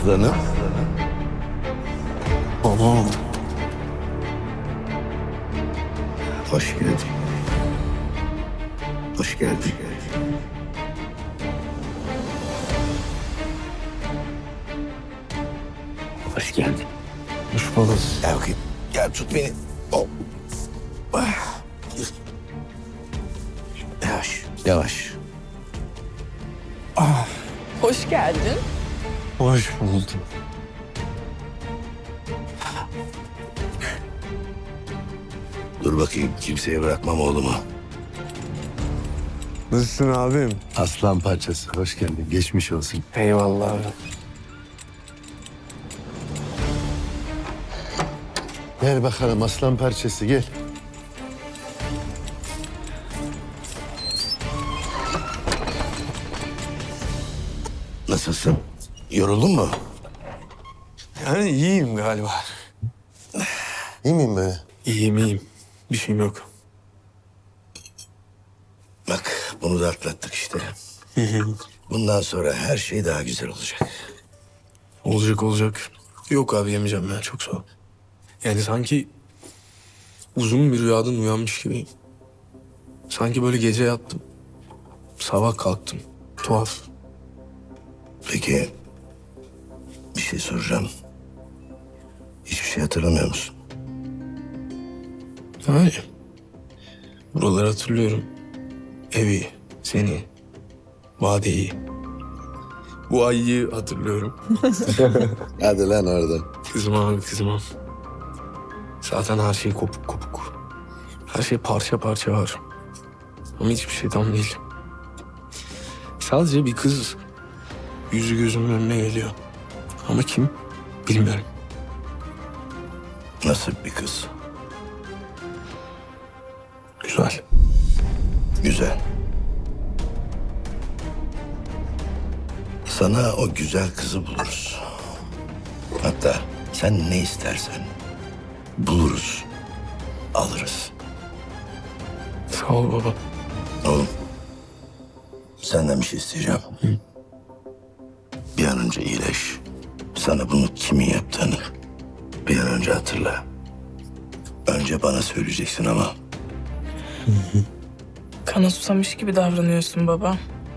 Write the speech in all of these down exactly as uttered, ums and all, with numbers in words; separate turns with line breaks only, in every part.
aslanım.
Babam.
Hoş geldin. Hoş geldin. Hoş geldin.
Hoş bulduk.
Gel bakayım. Gel tut beni. Hop. Ah. Yavaş. Yavaş.
Hoş geldin.
Hoş buldum.
Dur bakayım. Kimseye bırakmam oğlumu.
Nasılsın abim?
Aslan parçası. Hoş geldin. Geçmiş olsun.
Eyvallah abi.
Gel bakalım aslan parçası gel.
Nasılsın? Yoruldun mu?
Yani iyiyim galiba.
İyi miyim böyle?
İyiyim iyiyim. Bir şeyim yok.
Bak bunu da atlattık işte. Bundan sonra her şey daha güzel olacak.
Olacak olacak. Yok abi yemeyeceğim ben, çok sağ ol. Yani sanki uzun bir rüyadan uyanmış gibiyim. Sanki böyle gece yattım. Sabah kalktım. Tuhaf.
Peki bir şey soracağım. Hiçbir şey hatırlamıyor musun?
Yani buraları hatırlıyorum. Evi, seni, vadeyi. Bu ayıyı hatırlıyorum.
Hadi lan oradan.
Kızım abi kızım abi. Zaten her şey kopuk kopuk. Her şey parça parça var. Ama hiçbir şey tam değil. Sadece bir kız yüzü gözümün önüne geliyor. Ama kim bilmiyorum.
Nasıl bir kız?
Güzel.
Güzel. Sana o güzel kızı buluruz. Hatta sen ne istersen buluruz, alırız.
Sağ ol baba.
Oğlum, senden bir şey isteyeceğim. Bir an önce iyileş. Sana bunu kimin yaptığını bir an önce hatırla. Önce bana söyleyeceksin ama
Kana susamış gibi davranıyorsun baba.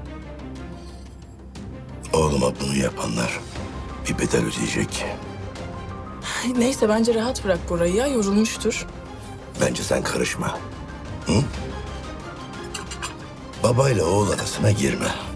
oğluma bunu yapanlar bir bedel ödeyecek.
Ay, neyse bence rahat bırak burayı ya, yorulmuştur.
Bence sen karışma. Hı? Babayla oğul arasına girme.